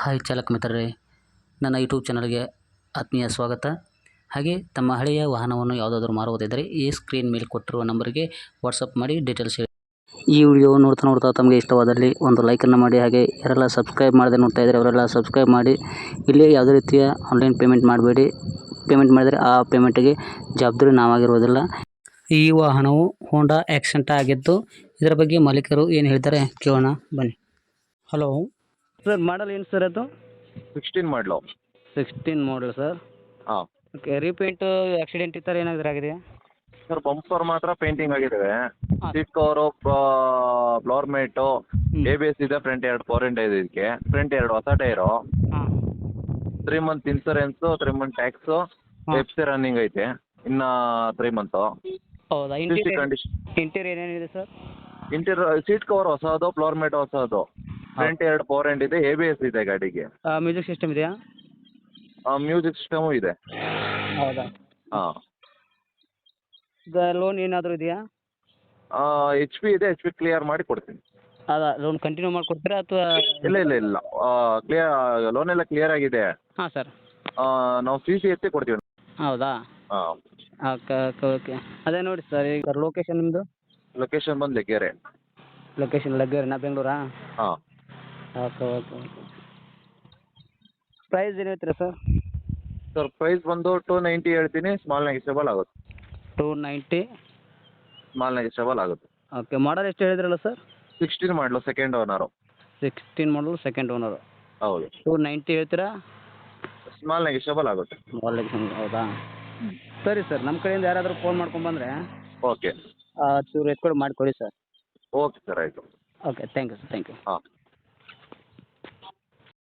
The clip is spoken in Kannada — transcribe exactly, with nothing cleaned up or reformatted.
ಹಾಯ್ ಚಾಲಕ ಮಿತ್ರರೇ, ನನ್ನ ಯೂಟ್ಯೂಬ್ ಚಾನಲ್ಗೆ ಆತ್ಮೀಯ ಸ್ವಾಗತ. ಹಾಗೆ ತಮ್ಮ ಹಳೆಯ ವಾಹನವನ್ನು ಯಾವುದಾದ್ರೂ ಮಾರುವುದಿದ್ದರೆ ಈ ಸ್ಕ್ರೀನ್ ಮೇಲೆ ಕೊಟ್ಟಿರುವ ನಂಬರ್ಗೆ ವಾಟ್ಸಪ್ ಮಾಡಿ ಡೀಟೇಲ್ಸ್ ಹೇಳಿ. ಈ ವಿಡಿಯೋ ನೋಡ್ತಾ ನೋಡ್ತಾ ತಮಗೆ ಇಷ್ಟವಾದಲ್ಲಿ ಒಂದು ಲೈಕನ್ನು ಮಾಡಿ. ಹಾಗೆ ಯಾರೆಲ್ಲ ಸಬ್ಸ್ಕ್ರೈಬ್ ಮಾಡದೆ ನೋಡ್ತಾ ಇದ್ದಾರೆ ಅವರೆಲ್ಲ ಸಬ್ಸ್ಕ್ರೈಬ್ ಮಾಡಿ. ಇಲ್ಲಿ ಯಾವುದೇ ರೀತಿಯ ಆನ್ಲೈನ್ ಪೇಮೆಂಟ್ ಮಾಡಬೇಡಿ. ಪೇಮೆಂಟ್ ಮಾಡಿದರೆ ಆ ಪೇಮೆಂಟಿಗೆ ಜವಾಬ್ದಾರಿ ನಾವಾಗಿರುವುದಿಲ್ಲ. ಈ ವಾಹನವು ಹೋಂಡಾ ಆಕ್ಸೆಂಟ್ ಆಗಿದ್ದು ಇದರ ಬಗ್ಗೆ ಮಾಲೀಕರು ಏನು ಹೇಳ್ತಾರೆ ಕೇಳೋಣ ಬನ್ನಿ. ಹಲೋ ಸರ್, ಮಾಡಲ್ ಏನು ಸರ್ ಅದು? Sixteen model. Sixteen model sir. ಹಾಂ ಓಕೆ, ರೀಪೇಂಟು ಆಕ್ಸಿಡೆಂಟ್ ಈ ಥರ ಏನಾದರೂ ಆಗಿದೆಯಾ? ಸರ್, ಬಂಪರ್ ಮಾತ್ರ ಪೇಂಟಿಂಗ್ ಆಗಿದ್ದಾವೆ. ಹಾಂ. Seat cover, floor mat, A B S ಇದೆ. ಫ್ರಂಟ್ ಎರಡು ಫೋರೆಂಟ್ ಇದೆ ಇದಕ್ಕೆ. ಫ್ರಂಟ್ ಎರಡು ಹೊಸ ಟೈರು, ಹಾಂ three month insurance, three month tax, ಹಾಂ. ಎಫ್ ಸಿ ರನ್ನಿಂಗ್ ಐತೆ ಇನ್ನು ತ್ರೀ ಮಂತು. ಹೌದಾ? See interior condition. ಇಂಟೀರಿಯರ್ ಏನೇನಿದೆ ಸರ್? ಇಂಟೀರಿಯರ್ ಸೀಟ್ ಕವರ್ ಹೊಸದು, ಫ್ಲೋರ್ ಮೇಟ್ ಹೊಸದು, ಫ್ರಂಟ್ ಎರಡು ಫೋರೆಂಟ್ ಇದೆ, ಎ ಬಿ ಎಸ್ ಇದೆ ಗಾಡಿಗೆ. ಮ್ಯೂಸಿಕ್ ಸಿಸ್ಟಮ್ ಇದೆಯಾ? ಮ್ಯೂಸಿಕ್ ಸಿಸ್ಟಮು ಇದೆ. ಹೌದಾ? ಹಾಂ. ಈಗ ಲೋನ್ ಏನಾದರೂ ಇದೆಯಾ? ಎಚ್ ಪಿ ಇದೆ, ಎಚ್ ಪಿ ಕ್ಲಿಯರ್ ಮಾಡಿ ಕೊಡ್ತೀನಿ. ಅದ ಲೋನ್ ಕಂಟಿನ್ಯೂ ಮಾಡಿಕೊಡ್ತೀರಾ ಅಥವಾ? ಇಲ್ಲ ಇಲ್ಲ ಇಲ್ಲ ಕ್ಲಿಯರ್, ಲೋನ್ ಎಲ್ಲ ಕ್ಲಿಯರ್ ಆಗಿದೆ. ಹಾಂ ಸರ್. ಆ, ನಾವು ಸಿ ಸಿ ಎತ್ತಿ ಕೊಡ್ತೀವಿ. ಹೌದಾ? ಹಾಂ. ಓಕೆ ಓಕೆ ಓಕೆ ಅದೇ ನೋಡಿ ಸರ್, ಈಗ ಲೊಕೇಶನ್ ನಿಮ್ಮದು? ಲೊಕೇಶನ್ ಬಂದು ಲೆಕ್ಕೇರೆ. ಲೊಕೇಶನ್ ಲಗ್ಗೆರೆನಾ, ಬೆಂಗಳೂರಾ? ಹಾಂ. ಓಕೆ ಓಕೆ ಓಕೆ ಪ್ರೈಸ್ ಏನು ಹೇಳ್ತೀರಾ ಸರ್? ಸರ್, ಪ್ರೈಸ್ ಬಂದು ಟೂ ನೈಂಟಿ ಹೇಳ್ತೀನಿ, ಸ್ಮಾಲ್ ನೆಗೆಸಬಲ್ ಆಗುತ್ತೆ. ಟೂ ನೈಂಟಿ ಸ್ಮಾಲ್ ನೆಗೆಸಬಲ್ ಆಗುತ್ತೆ. ಓಕೆ, ಮಾಡಲ್ ಎಷ್ಟು ಹೇಳಿದ್ರಲ್ಲ sir? Sixteen model, second owner. Sixteen model, second owner. ಹೌದು. ಟೂ ನೈಂಟಿ ಹೇಳ್ತೀರಾ? ಸ್ಮಾಲ್ ನೆಗೆಸಬಲ್ ಆಗುತ್ತೆ. ಹೌದಾ? ಸರಿ ಸರ್, ನಮ್ಮ ಕಡೆಯಿಂದ ಯಾರಾದರೂ ಫೋನ್ ಮಾಡ್ಕೊಂಡ್ಬಂದರೆ ಓಕೆ ಚೂರು ಎತ್ಕೊಡು ಮಾಡಿಕೊಡಿ ಸರ್. ಓಕೆ ಸರ್, ಆಯಿತು. Okay, thank you sir, thank you. ಹಾಂ.